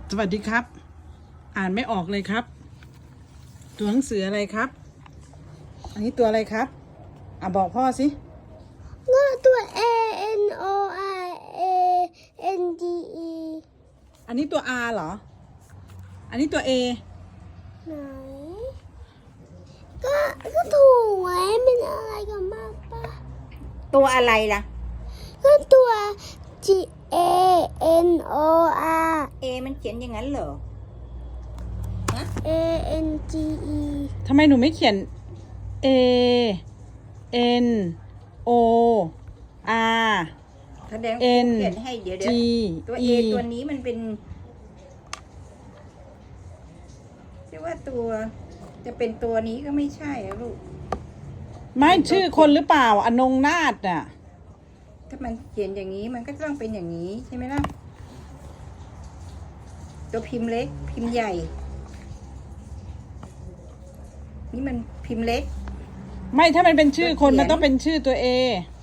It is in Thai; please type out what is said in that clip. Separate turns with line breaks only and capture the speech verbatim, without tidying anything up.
สวัสดีครับอ่านไม่ออกเลยครับตัวหนังสืออะไรครับอันนี้ตัวอะไรครับอ่ะบอกพ่อสิ
ก็ตัว A N O R A N D E
อันนี้ตัว R เหรออันนี้ตัว A
ไหนก็ก็ถูกไว้เป็นอะไรกันมากปะ
ตัวอะไรล่ะ
ก็ตัว G A N O R
A มันเขียนอย่างนั้นเหรอ
A N G E
ทำไมหนูไม่เขียน A N O R
แสดง
N
เขียนให้เดี๋ยวเดี๋ยว
G
ตัว A
E
ตัวนี้มันเป็นที่ว่าตัวจะเป็นตัวนี้ก็ไม่ใช่อะลูก
ไม่ชื่อคนหรือเปล่าอนงนาถน่ะ
ถ้ามันเขียนอย่างนี้มันก็ต้องเป็นอย่างนี้ใช่ไหมล่ะตัวพิมพ์เล็กพิมพ์ใหญ่ นี่มันพิมพ์เล็ก
ไม่ถ้ามันเป็นชื่อคน
เขียน
มันต้องเป็นชื่อตัว A